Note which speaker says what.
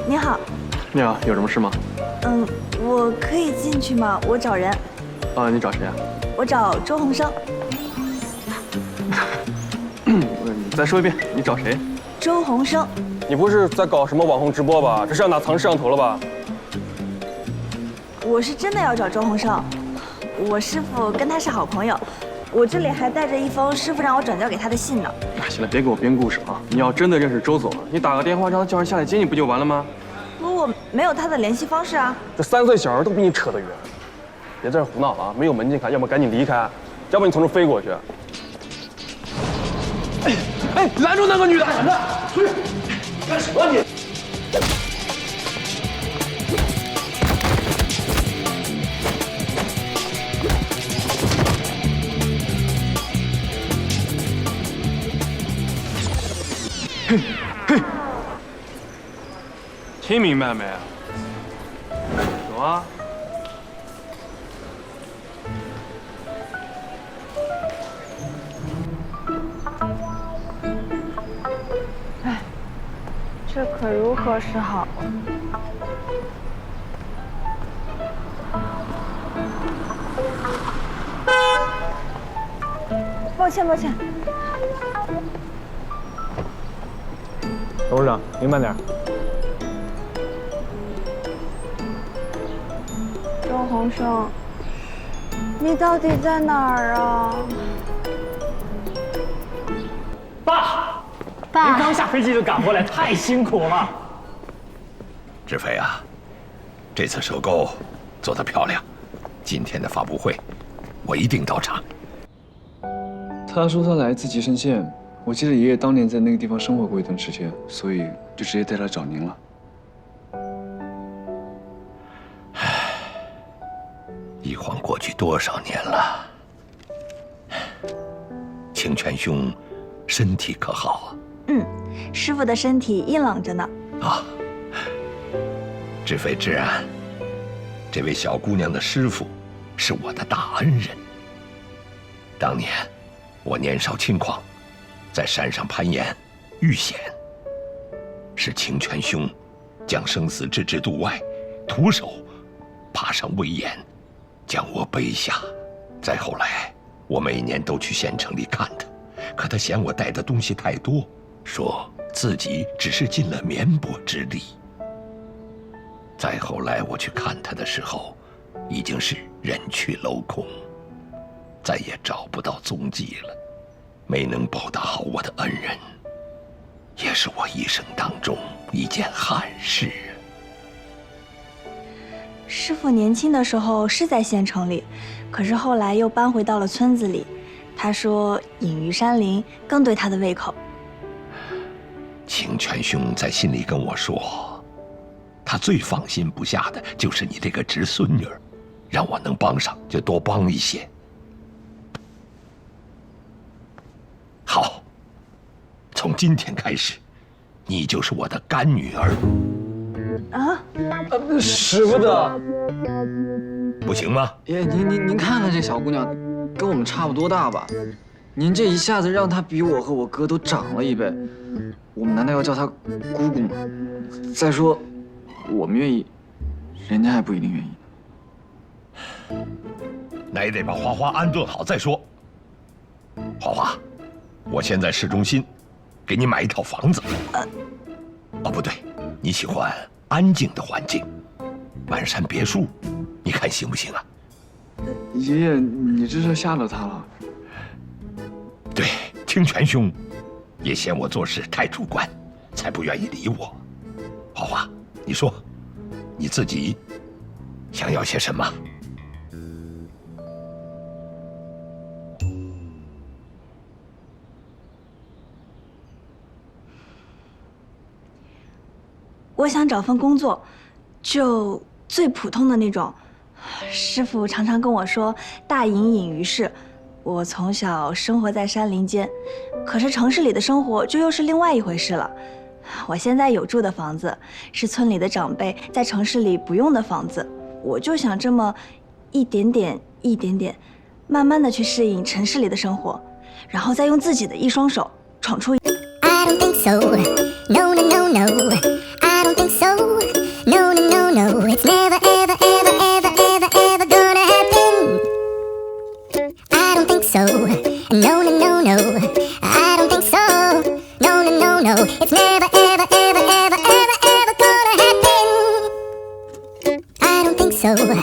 Speaker 1: 你好。
Speaker 2: 你好，有什么事吗？
Speaker 1: 我可以进去吗？我找人。
Speaker 2: 啊，你找谁啊？
Speaker 1: 我找周鸿生。
Speaker 2: 你再说一遍，你找谁？
Speaker 1: 周鸿生。
Speaker 2: 你不是在搞什么网红直播吧？这是要拿藏摄像头了吧？
Speaker 1: 我是真的要找周鸿生，我师傅跟他是好朋友，我这里还带着一封师傅让我转交给他的信呢。
Speaker 2: 行了，别给我编故事啊！你要真的认识周总，你打个电话让他叫人下来接你不就完了吗？
Speaker 1: 我没有他的联系方式啊。
Speaker 2: 这3岁小孩都比你扯得远，别在这胡闹了啊！没有门禁卡，要么赶紧离开，要不你从这飞过去。哎，拦住那个女的！拦着！出去！干什么你？嘿，嘿，听明白没？走啊！
Speaker 1: 哎，这可如何是好？抱歉，抱歉。
Speaker 3: 董事长，您慢点。
Speaker 1: 周鸿生，你到底在哪儿啊？
Speaker 3: 爸，您刚下飞机就赶过来，太辛苦了。
Speaker 4: 志飞啊，这次收购做得漂亮，今天的发布会我一定到场。
Speaker 5: 他说他来自吉盛县，我记得爷爷当年在那个地方生活过一段时间，所以就直接带他找您了。
Speaker 4: 一晃过去多少年了？清泉兄身体可好啊？
Speaker 1: 师傅的身体硬朗着呢。
Speaker 4: 啊，志飞、志安，这位小姑娘的师傅是我的大恩人。当年我年少轻狂，在山上攀岩遇险，是清泉兄将生死置之度外，徒手爬上危岩，将我背下。再后来，我每年都去县城里看他，可他嫌我带的东西太多，说自己只是尽了绵薄之力。再后来我去看他的时候，已经是人去楼空，再也找不到踪迹了。没能报答好我的恩人，也是我一生当中一件憾事。
Speaker 1: 师傅年轻的时候是在县城里，可是后来又搬回到了村子里。他说隐于山林更对他的胃口。
Speaker 4: 清泉兄在信里跟我说，他最放心不下的就是你这个侄孙女儿，让我能帮上就多帮一些。好，从今天开始，你就是我的干女儿。
Speaker 1: 啊？
Speaker 5: 使不得。
Speaker 4: 不行吗？
Speaker 5: 爷，您看看这小姑娘，跟我们差不多大吧？您这一下子让她比我和我哥都长了一倍，我们难道要叫她姑姑吗？再说，我们愿意，人家还不一定愿意。
Speaker 4: 那也得把花花安顿好再说。花花，我现在市中心，给你买一套房子。哦，不对，你喜欢安静的环境，满山别墅，你看行不行啊？
Speaker 5: 爷爷，你这是吓到他了。
Speaker 4: 对，清泉兄也嫌我做事太主观，才不愿意理我。花花，你说，你自己想要些什么？
Speaker 1: 我想找份工作，就最普通的那种。师傅常常跟我说“大隐隐于市”，我从小生活在山林间，可是城市里的生活就又是另外一回事了。我现在有住的房子，是村里的长辈在城市里不用的房子，我就想这么一点点、一点点，慢慢的去适应城市里的生活，然后再用自己的一双手闯出。
Speaker 6: I don't think so. No, no, no, no. I don't think so. go.